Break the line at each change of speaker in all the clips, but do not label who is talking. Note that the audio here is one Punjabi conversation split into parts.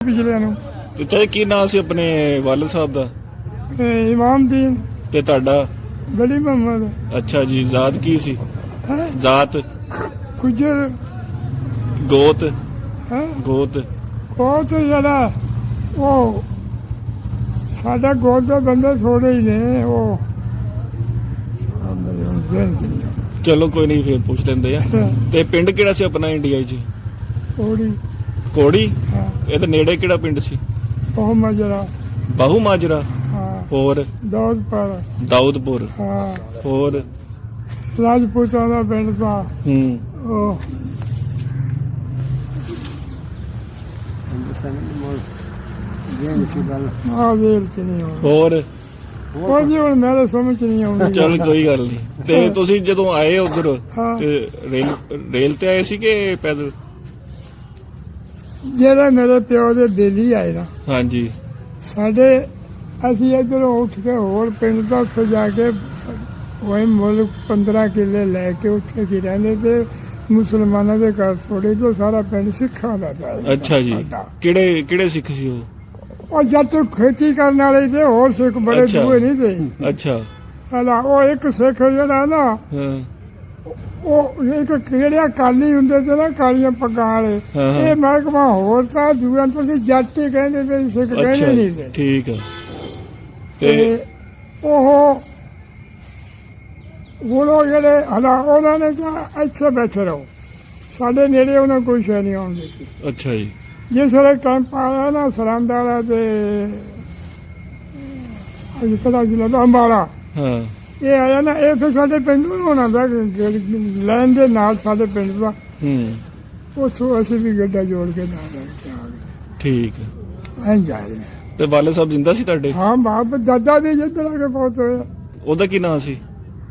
ਪਿਛਲੇ ਨੂੰ
ਤੇ ਚਾਹੇ ਕੀ ਨਾਂ ਸੀ ਆਪਣੇ ਵਾਲਦ ਸਾਹਿਬ ਦਾ?
ਇਮਾਮਦੀਨ
ਤੇ ਤੁਹਾਡਾ?
ਗਲੀ ਮੁਹੰਮਦ।
ਅੱਛਾ ਜੀ। ਜ਼ਾਤ ਕੀ ਸੀ?
ਹੈ
ਜ਼ਾਤ?
ਗੁਜਰ
ਗੋਤ?
ਹੈ
ਗੋਤ?
ਉਹ ਤੇ ਜਿਹੜਾ ਉਹ ਸਾਡਾ ਗੋਤ ਦੇ ਬੰਦੇ ਥੋੜੇ ਹੀ ਨੇ। ਉਹ
ਚਲੋ ਕੋਈ ਨਹੀਂ, ਫੇਰ ਪੁੱਛ ਲੈਂਦੇ ਆ। ਤੇ ਪਿੰਡ ਕਿਹੜਾ ਸੀ ਆਪਣਾ ਇੰਡੀਆ 'ਚ?
ਥੋੜੀ
ਕੋੜੀ?
ਹਾਂ
ਇਹ ਤਾਂ ਨੇੜੇ ਕਿਹੜਾ ਪਿੰਡ ਸੀ?
ਉਹ ਮਜਰਾ।
ਬਾਹੂ ਮਾਜਰਾ?
ਹਾਂ
ਹੋਰ?
ਦੌਦਪੁਰ।
ਦਾਊਦਪੁਰ?
ਹਾਂ
ਹੋਰ?
ਰਾਜਪੂਤਾਂ ਦਾ ਪਿੰਡ ਦਾ ਉਹ ਆ ਵੇਲ ਚ ਨਹੀਂ ਆਉਂਦਾ।
ਹੋਰ?
ਉਹ ਜੀ ਹੁਣ ਮੇਰੇ ਸਮਝ ਚ ਨਹੀਂ ਆਉਂਦੀ।
ਚਲ ਕੋਈ ਗੱਲ ਨਹੀਂ। ਤੇ ਤੁਸੀਂ ਜਦੋਂ ਆਏ ਉਧਰ
ਹਾਂ।
ਤੇ ਰੇਲ ਤੇ ਆਏ ਸੀ ਕਿ ਪੈਦਲ?
ਜਿਹੜੇ ਮੇਰੇ ਪਿਓ ਦੇ ਦਿੱਲੀ ਆਏ ਨਾ,
ਹਾਂਜੀ।
ਸਾਡੇ ਅਸੀਂ ਇੱਧਰੋਂ ਉੱਠ ਕੇ ਹੋਰ ਪਿੰਡ ਤੋਂ ਉੱਥੇ ਜਾ ਕੇ ਉਹ ਮੁਲਕ 15 ਕਿੱਲੇ ਲੈ ਕੇ ਉੱਥੇ ਕੀ ਰਹਿੰਦੇ ਤੇ ਮੁਸਲਮਾਨਾਂ ਦੇ ਘਰ ਥੋੜੇ ਤੋਂ ਸਾਰਾ ਪਿੰਡ ਸਿੱਖਾਂ ਦਾ ਸੀ।
ਅੱਛਾ ਜੀ।
ਸਾਡਾ।
ਕਿਹੜੇ ਸਿੱਖ ਸੀ ਉਹ?
ਉਹ ਜਦ ਤੱਕ ਖੇਤੀ ਕਰਨ ਵਾਲੇ ਤੇ ਹੋਰ ਸਿੱਖ ਬੜੇ
ਅੱਛਾ।
ਦੂਏ ਨਹੀਂ ਤੇ।
ਅੱਛਾ।
ਹਲਾ ਉਹ ਇੱਕ ਸਿੱਖ ਜਿਹੜਾ ਨਾ
ਹਾਂ
ਉਹ ਇੱਕ ਕਿਹੜਿਆ ਕਾਲੀ ਹੁੰਦੇ ਤੇ ਨਾ ਕਾਲੀਆਂ ਪੱਗਾਂ ਵਾਲੇ,
ਹਾਂ, ਹਾਂ।
ਇਹ ਮਹਿਕਮਾ ਹੋਰ ਤਾਂ ਦੂਆਂ ਤੁਸੀਂ ਜੱਟ ਹੀ ਕਹਿੰਦੇ ਤੇ ਸਿੱਖ ਕਹਿੰਦੇ
ਅੱਛਾ
ਨਹੀਂ ਤੇ।
ਠੀਕ ਹੈ।
ਤੇ ਉਹ ਉਹ ਜਿਹੜੇ ਹਲਾ ਉਹਨਾਂ ਨੇ ਕਿਹਾ ਇੱਥੇ ਬੈਠੇ ਰਹੋ, ਸਾਡੇ ਨੇੜੇ ਉਹਨਾਂ ਕੋਈ ਸ਼ੈ ਨਹੀਂ ਆਉਣ ਦਿੱਤੀ।
ਅੱਛਾ ਜੀ।
ਜਿਸ ਵੇਲੇ ਕੈਂਪ ਆਇਆ ਨਾ ਸਰਹੰਦ ਵਾਲਾ ਤੇ ਅੱਜ ਕਿਹੜਾ ਜ਼ਿਲ੍ਹਾ ਦਾ ਅੰਬਾਲਾ,
ਹਾਂ
ਇਹ ਆਇਆ ਨਾ, ਇਹ ਫਿਰ ਸਾਡੇ ਪਿੰਡ ਨੂੰ ਹੋਣਾ ਦਾ ਲੈਣ ਦੇ ਨਾਲ ਸਾਡੇ ਪਿੰਡ ਦਾ। ਉੱਥੋਂ ਅਸੀਂ ਵੀ ਗੱਡਾ ਜੋੜ ਕੇ ਨਾਲ ਲੈ ਕੇ ਆ ਗਏ।
ਠੀਕ ਹੈ।
ਐਂ ਜਾ ਰਹੇ ਹਾਂ।
ਤੇ ਵਾਲੇ ਸਾਹਿਬ ਜਿੰਦਾ ਸੀ ਤੁਹਾਡੇ?
ਹਾਂ ਬਾਪ ਦਾਦਾ ਵੀ ਜਿੱਧਰ ਆ ਕੇ ਬਹੁਤ ਹੋਇਆ।
ਉਹਦਾ ਕੀ ਨਾਂ ਸੀ?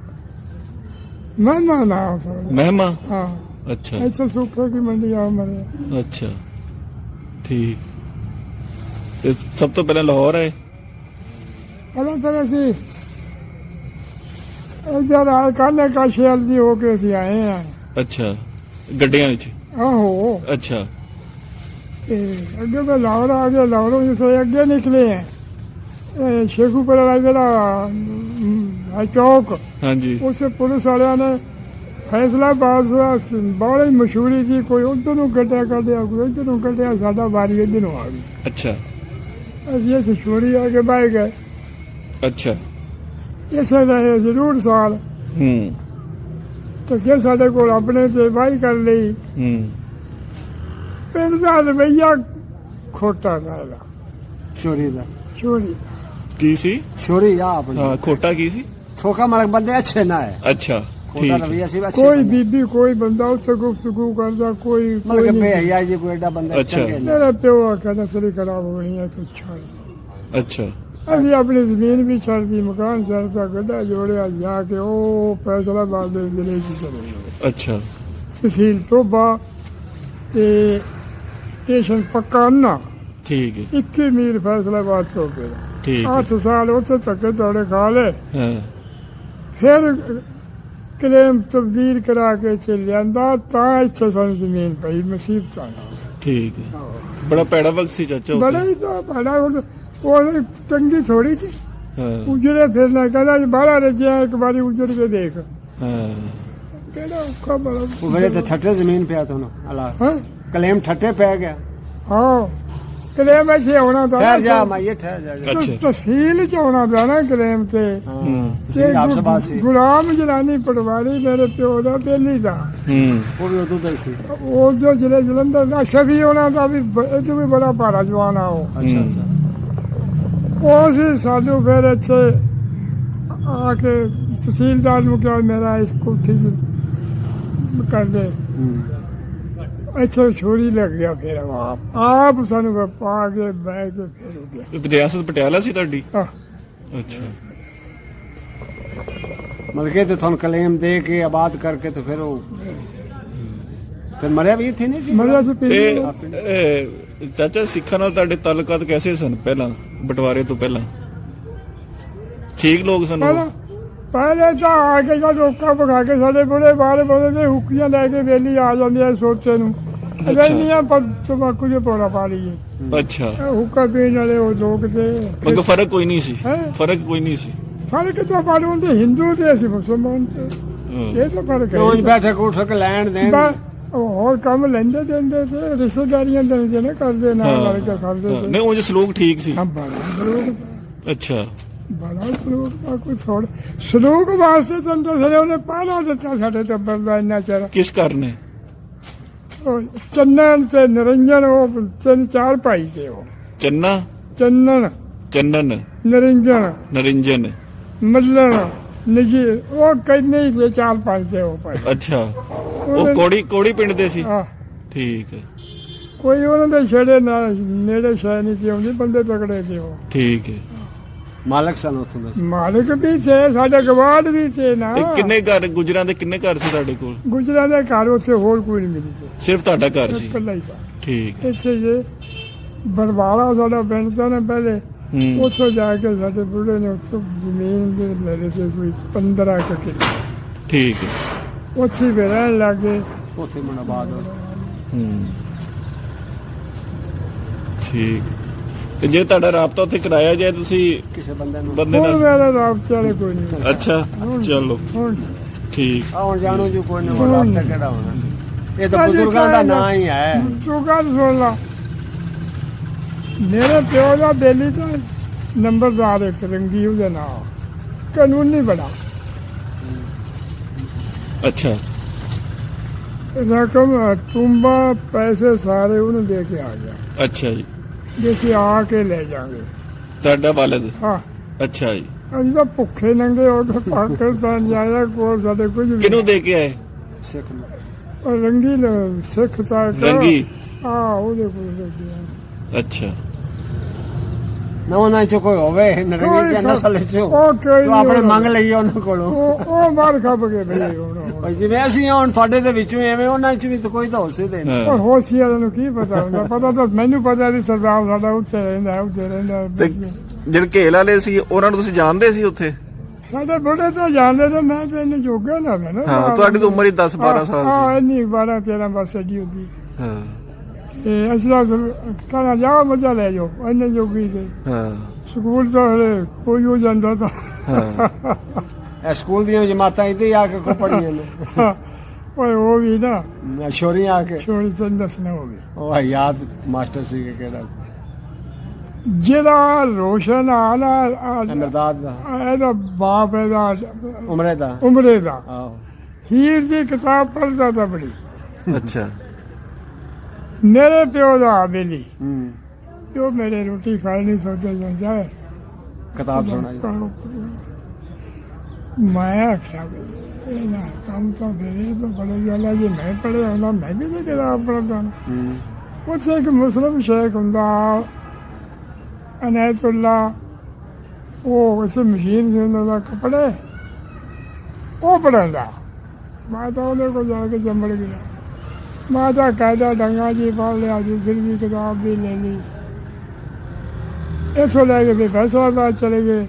ਮਹਿਮਾ ਨਾ
ਮਹਿਮਾ?
ਹਾਂ।
ਅੱਛਾ
ਇੱਥੇ ਸੁੱਖੇ ਕੀ ਮੰਡੀ ਆ ਮਰੇ।
ਅੱਛਾ ਠੀਕ। ਤੇ ਸਭ ਤੋਂ ਪਹਿਲਾਂ ਲਾਹੌਰ ਆਏ?
ਪਹਿਲਾਂ ਤਾਂ ਅਸੀਂ ਇੱਧਰ ਆ ਕਾਲੇ ਕਾਸ਼ੇਲ ਦੀ ਹੋ ਕੇ ਅਸੀਂ ਆਏ ਆ।
ਅੱਛਾ। ਗੱਡੀਆਂ ਵਿੱਚ?
ਆਹੋ।
ਅੱਛਾ।
ਤੇ ਅੱਗੇ ਤਾਂ ਲਾਹੌਰ ਆ ਗਏ, ਲਾਹੌਰੋਂ ਜਿਸੇ ਅੱਗੇ ਨਿਕਲੇ ਆ ਸ਼ੇਖੂਪੁਰ ਵਾਲਾ ਜਿਹੜਾ ਚੌਕ,
ਹਾਂਜੀ।
ਉਸੇ ਪੁਲਿਸ ਵਾਲਿਆਂ ਨੇ ਫੈਸਲਾਬਾਦ ਬੜੀ ਮਸ਼ਹੂਰੀ ਸੀ, ਕੋਈ ਉਧਰ ਨੂੰ ਕੱਢਿਆ ਕੋਈ ਇੱਧਰ ਨੂੰ ਕੱਢਿਆ, ਸਾਡਾ ਵਾਰੀ ਇੱਧਰ ਨੂੰ ਆ ਗਈ।
ਅੱਛਾ।
ਅਸੀਂ ਇੱਥੇ ਛੋੜੀ ਆ ਕੇ ਬਹਿ ਗਏ।
ਅੱਛਾ।
ਇਸੇ ਰਹੇ ਜ਼ਰੂਰ ਸਾਲ ਤੇ ਜੇ ਸਾਡੇ ਕੋਲ ਆਪਣੇ ਤੇ ਵਾਹੀ ਕਰ ਲਈ। ਪਿੰਡ ਦਾ ਰਵਈਆ ਖੋਟਾ ਦਾ
ਛੋਰੀ ਦਾ
ਛੋੜੀ
ਕੀ ਸੀ?
ਛੋਰੀ ਆ ਆਪਣੀ।
ਹਾਂ ਖੋਟਾ ਕੀ ਸੀ?
ਠੋਕਾ ਮਾਲਕ ਬੰਦੇ ਅੱਛੇ ਨਾ ਹੈ।
ਅੱਛਾ
ਖੋਟਾ
ਠੀਕ
ਰਵਈਆ ਸੀ ਅੱਛੇ
ਕੋਈ
ਬੰਦੇ।
ਬੀਬੀ ਕੋਈ ਬੰਦਾ ਉੱਥੇ ਗੁਫ਼ਤਗੂ ਕਰਦਾ ਕੋਈ
ਮਤਲਬ ਕਿ
ਨਹੀਂ।
ਬੇਹਯਾ ਜੀ ਕੋਈ ਐਡਾ ਬੰਦਾ
ਅੱਛਾ।
ਚੰਗੇ ਨਹੀਂ।
ਮੇਰਾ ਪਿਓ ਆਖਿਆ ਨਸਲ ਖਰਾਬ ਹੋਣੀ ਹੈ ਤੂੰ ਛੱਡ।
ਅੱਛਾ।
ਅਸੀਂ ਆਪਣੀ ਜ਼ਮੀਨ ਵੀ ਛੱਡਦੀ, ਮਕਾਨ ਛੱਡਦਾ, ਗੱਡਾ ਜੋੜਿਆ, ਜਾ ਕੇ ਉਹ ਫੈਸਲਾਬਾਦ ਦੇ ਜ਼ਿਲ੍ਹੇ 'ਚ ਚਲੇ ਗਏ।
ਅੱਛਾ।
ਤਹਿਸੀਲ ਟੋਬਾ ਤੇ ਸਟੇਸ਼ਨ ਪੱਕਾ ਨਾ
ਠੀਕ ਹੈ।
21 ਮੀਲ ਫੈਸਲਾਬਾਦ ਤੋਂ ਕੇ
ਠੀਕ ਹੈ।
8 ਸਾਲ ਉੱਥੇ ਧੱਕੇ ਦੌੜੇ ਖਾ ਲਏ।
ਹਾਂ
ਫਿਰ ਕਲੇਮ ਤਬਦੀਲ ਕਰਾ ਕੇ ਇੱਥੇ ਲਿਆਂਦਾ, ਤਾਂ ਇੱਥੇ ਸਾਨੂੰ ਜ਼ਮੀਨ ਪਈ ਮੁਸੀਬਤਾਂ ਨਾਲ।
ਠੀਕ ਹੈ। ਬੜਾ ਪੈੜਾ ਵਕਤ ਸੀ ਚਾਚਾ ਉੱਥੇ।
ਬੜਾ ਹੀ ਤਾਂ ਬੜਾ ਉਹ ਚੰਗੀ ਥੋੜੀ ਸੀ।
ਹਾਂ
ਉਜੜੇ ਫਿਰਨਾ, ਕਹਿੰਦਾ ਜੀ ਬਾਹਲਾ ਰੱਜਿਆ, ਇੱਕ ਵਾਰੀ ਉਜੜ ਕੇ ਦੇਖ।
ਹਾਂ
ਕਿਹੜਾ ਔਖਾ ਬੜਾ
ਉਹ ਵੇਲੇ ਤੇ ਠੱਠੇ ਜ਼ਮੀਨ ਪਿਆ ਤੁਹਾਨੂੰ ਅਲਾ
ਹਾਂ
ਕਲੇਮ ਠੱਠੇ ਪੈ ਗਿਆ।
ਹਾਂ ਕਲੇਮ ਇੱਥੇ ਆਉਣਾ ਤਾਂ
ਠਹਿਰ ਜਾ ਮਾਈਏ ਠਹਿਰ ਜਾ।
ਅੱਛਾ।
ਤਹਿਸੀਲ ਚ ਆਉਣਾ ਪਿਆ ਨਾ ਕਲੇਮ ਤੇ।
ਤੁਸੀਂ ਆਪ ਸਬਾਸ ਸੀ।
ਗੁਲਾਮ ਜਲਾਨੀ ਪਟਵਾਰੀ ਮੇਰੇ ਪਿਓ ਦਾ ਬੇਲੀ ਦਾ,
ਉਹ ਵੀ ਉਦੋਂ ਦਾ ਹੀ ਸੀ।
ਉਹ ਜੋ ਜ਼ਿਲ੍ਹੇ ਜਲੰਧਰ ਦਾ ਸ਼ਫੀ ਉਹਨਾਂ ਦਾ ਵੀ ਇਹ ਤੋਂ ਵੀ ਬੜਾ ਭਾਰਾ ਜਵਾਨ ਆ ਉਹ।
ਅੱਛਾ ਅੱਛਾ।
ਉਹ ਸੀ ਸਾਨੂੰ ਫਿਰ ਇੱਥੇ ਆ ਕੇ ਤਹਿਸੀਲਦਾਰ ਨੂੰ ਕਿਹਾ ਮੇਰਾ ਇਸ ਕੋਠੀ ਕਰ ਦੇ। ਇੱਥੇ ਛੋਰੀ ਲੱਗ ਗਿਆ। ਫਿਰ ਆਪ ਸਾਨੂੰ ਪਾ ਕੇ ਬਹਿ ਕੇ ਫਿਰ ਹੋ ਗਿਆ।
ਤੇ ਰਿਆਸਤ ਪਟਿਆਲਾ ਸੀ ਤੁਹਾਡੀ?
ਆਹ,
ਅੱਛਾ।
ਮਤਲਬ ਕਿ ਤੇ ਤੁਹਾਨੂੰ ਕਲੇਮ ਦੇ ਕੇ ਆਬਾਦ ਕਰਕੇ ਤੇ ਫਿਰ ਉਹ ਫਿਰ ਮਰਿਆ ਵੀ ਇੱਥੇ ਨਹੀਂ ਸੀ।
ਮਰਿਆ ਸੀ
ਤੇ
ਪਿੰਡ।
ਚਾਚਾ ਸਿੱਖਾਂ ਨਾਲ ਤੁਹਾਡੇ ਤਾਲੁਕਾਤ ਕੈਸੇ ਸਨ ਪਹਿਲਾਂ, ਬਟਵਾਰੇ ਤੋਂ ਪਹਿਲਾਂ? ਠੀਕ ਲੋਕ ਸਨ ਉਹ?
ਪਹਿਲੇ ਤਾਂ ਆ ਕੇ ਜਦ ਰੋਕਾ ਪਕਾ ਕੇ ਸਾਡੇ ਬੁੜੇ ਬਾਹਰ ਬੋਲੇ ਤੇ ਹੁੱਕੀਆਂ ਲੈ ਕੇ ਵੇਲੀ ਆ ਜਾਂਦੀ ਐ ਸੋਚੇ ਨੂੰ। ਰੈਲੀਆਂ ਪਰ ਤਮਾਕੂ ਦੇ ਪੌੜਾ ਪਾ ਲਈਏ।
ਅੱਛਾ
ਹੁੱਕਾ ਪੀਣ ਵਾਲੇ ਉਹ ਲੋਕ ਤੇ
ਮਗਰ ਫਰਕ ਕੋਈ ਨਹੀਂ ਸੀ
ਹੈਂ?
ਫਰਕ ਕੋਈ ਨਹੀਂ ਸੀ
ਸਾਰੇ ਕਿਤੇ ਬਾਰੇ ਹੁੰਦੇ ਹਿੰਦੂ ਤੇ ਅਸੀਂ ਮੁਸਲਮਾਨ ਤੇ
ਹਾਂ।
ਇਹ ਤਾਂ ਫਰਕ
ਉਂਝ
ਹੈ
ਬੈਠੇ ਕੋਠ ਕੇ ਲੈਣ ਦੇਣ
ਬਸ ਉਹ ਹੋਰ ਕੰਮ ਲੈਂਦੇ ਦਿੰਦੇ ਤੇ ਰਿਸ਼ਤੇਦਾਰੀਆਂ ਦੇ ਨੇ ਕਰਦੇ ਨਾਲ ਲੜ ਕੇ ਕਰਦੇ
ਹਾਂ,
ਤੇ
ਨਹੀਂ ਉਹ ਸਲੂਕ ਠੀਕ ਸੀ
ਹਾਂ ਬੜਾ ਸਲੂਕ
ਅੱਛਾ
ਬੜਾ ਸਲੂਕ ਦਾ ਕੋਈ ਥੋੜ ਸਲੂਕ ਵਾਸਤੇ ਤਾਂ ਦੱਸਦੇ ਉਹਨੇ ਪਹਿਲਾਂ ਦਿੱਤਾ ਸਾਡੇ ਟੱਬਰ ਦਾ ਇੰਨਾ ਚਿਰ
ਕਿਸ ਕਰਨੇ
ਉਹ ਚੰਨਨ ਤੇ ਨਿਰੰਜਨ ਉਹ ਤਿੰਨ ਚਾਰ ਭਾਈ ਤੇ ਉਹ
ਚੰਨਾ
ਚੰਨਨ
ਚੰਨਨ
ਨਿਰੰਜਨ
ਨਰਿੰਜਨ
ਮੱਲਣ ਨਿਜੀ ਉਹ ਕਹਿੰਦੇ ਹੀ ਤੇ ਚਾਰ ਪੰਜ ਤੇ ਉਹ ਭਾਈ
ਅੱਛਾ ਉਹ ਕੋੜੀ ਪਿੰਡ ਦੇ ਸੀ
ਆਹ
ਠੀਕ ਹੈ
ਕੋਈ ਉਹਨਾਂ ਦੇ ਛੇੜੇ ਨਾਲ ਨੇੜੇ ਸ਼ੈ ਨਹੀਂ ਸੀ ਆਉਂਦੀ ਬੰਦੇ ਤਕੜੇ ਤੇ ਉਹ
ਠੀਕ ਹੈ
ਮਾਲਕ ਸਨ ਉੱਥੋਂ ਦੇ
ਮਾਲਕ ਵੀ ਤੇ ਸਾਡੇ ਗਵਾਂਢ ਵੀ ਤੇ ਨਾ
ਤੇ ਕਿੰਨੇ ਘਰ ਗੁਜਰਾਂ ਦੇ ਕਿੰਨੇ ਘਰ ਸੀ ਤੁਹਾਡੇ ਕੋਲ
ਗੁਜਰਾਂ ਦੇ ਘਰ ਉੱਥੇ ਹੋਰ ਕੋਈ ਨਹੀਂ ਮਿਲੀ ਸੀ
ਸਿਰਫ ਤੁਹਾਡਾ ਘਰ ਸੀ
ਇਕੱਲਾ ਹੀ ਸੀ
ਠੀਕ
ਇੱਥੇ ਜੇ ਬਰਵਾਲਾ ਸਾਡਾ ਪਿੰਡ ਤਾਂ ਨਾ ਪਹਿਲੇ
ਹੂੰ
ਉੱਥੋਂ ਜਾ ਕੇ ਸਾਡੇ ਬੁੱਢੇ ਨੇ ਉੱਥੋਂ ਜ਼ਮੀਨ ਦੇ ਮੇਰੇ ਤੇ ਕੋਈ 15 ਕੁ ਕਿੱਲੇ
ਠੀਕ ਹੈ
ਉੱਥੇ ਵੀ ਰਹਿਣ ਲੱਗੇ
ਉੱਥੇ ਮਨਾਬਾਦ
ਹੂੰ ਠੀਕ ਤੇ ਜੇ ਤੁਹਾਡਾ ਰਾਬਤਾ ਉੱਥੇ ਕਰਾਇਆ ਜਾਏ ਤੁਸੀਂ
ਕਿਸੇ ਬੰਦੇ ਨੂੰ
ਬੰਦੇ
ਹੁਣ
ਨਾਲ
ਮੇਰਾ ਰਾਬਤੇ ਵਾਲੇ ਕੋਈ ਨਹੀਂ
ਅੱਛਾ ਚਲੋ
ਹੁਣ
ਠੀਕ
ਆਉਣ ਜਾਣੋ ਜੋ ਕੋਈ ਨਹੀਂ ਰਾਬਤਾ ਕਿਹੜਾ ਹੋਣਾ ਇਹ ਤਾਂ ਬਜ਼ੁਰਗਾਂ ਦਾ ਨਾਂ ਹੀ ਹੈ
ਤੂੰ ਗੱਲ ਸੁਣ ਲਾ ਮੇਰੇ ਪਿਓ ਦਾ ਬੇਲੀ ਤਾਂ ਨੰਬਰਦਾਰ ਇੱਕ ਰੰਗੀ ਉਹਦੇ ਨਾਲ ਕਾਨੂੰਨੀ ਬੜਾ
ਅੱਛਾ
ਰਕਮ ਟੁੰਬਾ ਪੈਸੇ ਸਾਰੇ ਉਹਨੂੰ ਦੇ ਕੇ ਆ ਗਿਆ
ਅੱਛਾ ਜੀ
ਜੇ ਅਸੀਂ ਆ ਕੇ ਲੈ ਜਾਾਂਗੇ
ਤੁਹਾਡਾ ਵਾਲਦ
ਹਾਂ
ਅੱਛਾ ਜੀ
ਅਸੀਂ ਤਾਂ ਭੁੱਖੇ ਨੰਗੇ ਹੋ ਕੇ ਪਾਕਿਸਤਾਨ ਜਾਇਆ ਕੋਲ ਸਾਡੇ ਕੁਝ ਵੀ
ਕਿਹਨੂੰ ਦੇ ਕੇ ਆਏ
ਸਿੱਖ ਨੂੰ
ਉਹ ਰੰਗੀ ਸਿੱਖ ਤਾਂ
ਰੰਗੀ
ਹਾਂ ਉਹਦੇ ਕੋਲ ਲੈ ਗਿਆ
ਅੱਛਾ
ਨਾ ਉਹਨਾਂ ਚ ਕੋਈ ਹੋਵੇ ਨਰੰਗੀ ਜਾਂ ਨਸਲ ਚੋਂ
ਉਹ ਕੋਈ
ਤੂੰ ਆਪਣੇ
ਨਹੀਂ
ਮੰਗ ਲਈ ਉਹਨਾਂ ਕੋਲੋਂ
ਉਹ ਮਾਰ ਖੱਪ ਗਏ ਬਈ ਹੁਣ
ਭਾਈ ਜਿਵੇਂ ਅਸੀਂ ਹੁਣ ਤੁਹਾਡੇ ਦੇ ਵਿੱਚੋਂ ਐਵੇਂ ਉਹਨਾਂ ਚ ਵੀ ਤਾਂ ਕੋਈ ਤਾਂ ਹੋਸੇ ਦੇ ਨਹੀਂ
ਹਾਂ।
ਉਹ ਹੋਸ਼ੀਆਰਾਂ ਨੂੰ ਕੀ ਪਤਾ ਹੁੰਦਾ ਪਤਾ ਤਾਂ ਮੈਨੂੰ ਪਤਾ ਵੀ ਸਰਦਾਰ ਸਾਡਾ ਉੱਥੇ ਰਹਿੰਦਾ
ਤੇ ਜਿਹੜੇ ਘੇਲ ਵਾਲੇ ਸੀ ਉਹਨਾਂ ਨੂੰ ਤੁਸੀਂ ਜਾਣਦੇ ਸੀ ਉੱਥੇ
ਸਾਡੇ ਬੁੱਢੇ ਤਾਂ ਜਾਣਦੇ ਨੇ ਮੈਂ ਤੇ ਇਹਨੇ ਜੋਗਾ ਨਾ ਮੈਂ ਨਾ
ਹਾਂ ਤੁਹਾਡੀ ਤਾਂ ਉਮਰ ਹੀ 10 12 ਸਾਲ
ਹਾਂ
ਸੀ
ਇੰਨੀ 12 13 ਬਸ ਅੱਡੀ ਹੁੰਦੀ
ਹਾਂ
ਤੇ ਅਸੀਂ ਤਾਂ ਕਹਿੰਦਾ ਜਾਓ ਮਜ਼ਾ ਲੈ ਜਾਓ ਇੰਨੇ ਜੋਗੀ ਤੇ
ਹਾਂ
ਸਕੂਲ ਤਾਂ ਹਲੇ ਕੋਈ ਹੋ ਜਾਂਦਾ ਤਾਂ
ਹਾਂ
ਇਹ ਸਕੂਲ ਦੀਆਂ ਜਮਾਤਾਂ ਇੱਥੇ ਆ ਕੇ ਕੋ ਪੜੀਆਂ ਨੇ
ਓਏ ਉਹ ਵੀ ਨਾ
ਸ਼ੋਰੀਆਂ ਆ ਕੇ
ਛੋੜੀ ਤਾਂ ਦੱਸਣਾ ਹੋਵੇ
ਉਹ ਯਾਦ ਮਾਸਟਰ ਸੀ ਕਿ ਕਿਹੜਾ
ਜਿਹੜਾ ਰੋਸ਼ਨ ਆਲਾ
ਅਮਰਦਾਦ ਦਾ
ਇਹਦਾ ਬਾਪ ਇਹਦਾ
ਉਮਰੇ ਦਾ
ਉਮਰੇ ਦਾ
ਆਹੋ
ਹੀਰ ਦੀ ਕਿਤਾਬ ਪੜ੍ਹਦਾ ਤਾਂ ਬੜੀ
ਅੱਛਾ
ਮੇਰੇ ਪਿਓ ਦਾ ਬੇਲੀ
ਹੂੰ
ਜੋ ਮੇਰੇ ਰੋਟੀ ਖਾਈ ਨਹੀਂ ਸੋਚਿਆ ਜਾਂਦਾ ਹੈ
ਕਿਤਾਬ ਸੁਣਾਈ
ਮੈਂ ਆਖਿਆ ਵੀ ਇਹ ਨਾ ਕੰਮ ਤਾਂ ਮੇਰੇ ਤੋਂ ਬੜੇ ਗੱਲ ਜੀ ਮੈਂ ਪੜ੍ਹਿਆ ਹੁੰਦਾ ਮੈਂ ਵੀ ਤਾਂ ਕਿਤਾਬ ਪੜ੍ਹਦਾ
ਹੂੰ
ਉੱਥੇ ਇੱਕ ਮੁਸਲਮ ਸ਼ੇਖ ਹੁੰਦਾ ਅਨਾਇਤੁੱਲਾ ਉਹ ਉਸ ਮਸ਼ੀਨ ਦੇ ਉਹਨਾਂ ਦਾ ਕੱਪੜੇ ਉਹ ਪੜ੍ਹਦਾ ਮੈਂ ਤਾਂ ਉਹਦੇ ਕੋਲ ਜਾ ਕੇ ਜੰਮੜ ਗਿਆ ਮੈਂ ਤਾਂ ਕਾਇਦਾ ਡੰਗਾ ਜੀ ਪੜ੍ਹ ਲਿਆ ਜੀ ਫਿਰ ਵੀ ਕਿਤਾਬ ਵੀ ਲੈ ਲਈ ਇੱਥੋਂ ਲੈ ਕੇ ਫਿਰ ਫੈਸਲਾਬਾਦ ਚਲੇ ਗਏ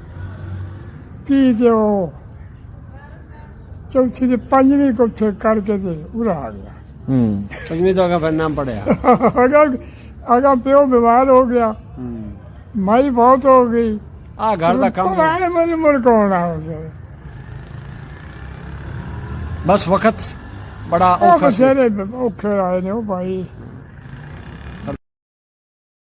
ਕੀ ਤੇ ਉਹ ਚੌਥੀ ਤੇ ਪੰਜਵੀਂ ਕੁੱਥੇ ਕਰਕੇ ਤੇ ਉਰਾ ਆ ਗਿਆ
ਹੂੰ
ਪੰਜਵੀਂ ਤੋਂ ਫਿਰ ਨਾਮ ਪੜਿਆ
ਅਗਾ ਪਿਓ ਬਿਮਾਰ ਹੋ ਗਿਆ
ਹੂੰ
ਮਾਈ ਬਹੁਤ ਹੋ ਗਈ
ਆ ਘਰ ਦਾ ਕੰਮ ਹੈ।
ਮੈਨੂੰ ਮੁਰਕਾਉਣਾ ਉਸੇ
ਬਸ ਵਕਤ ਬੜਾ
ਉਹ
ਔਖਾ ਸੀ
ਬਸੇਰੇ ਔਖੇ ਆਏ ਨੇ ਉਹ ਭਾਈ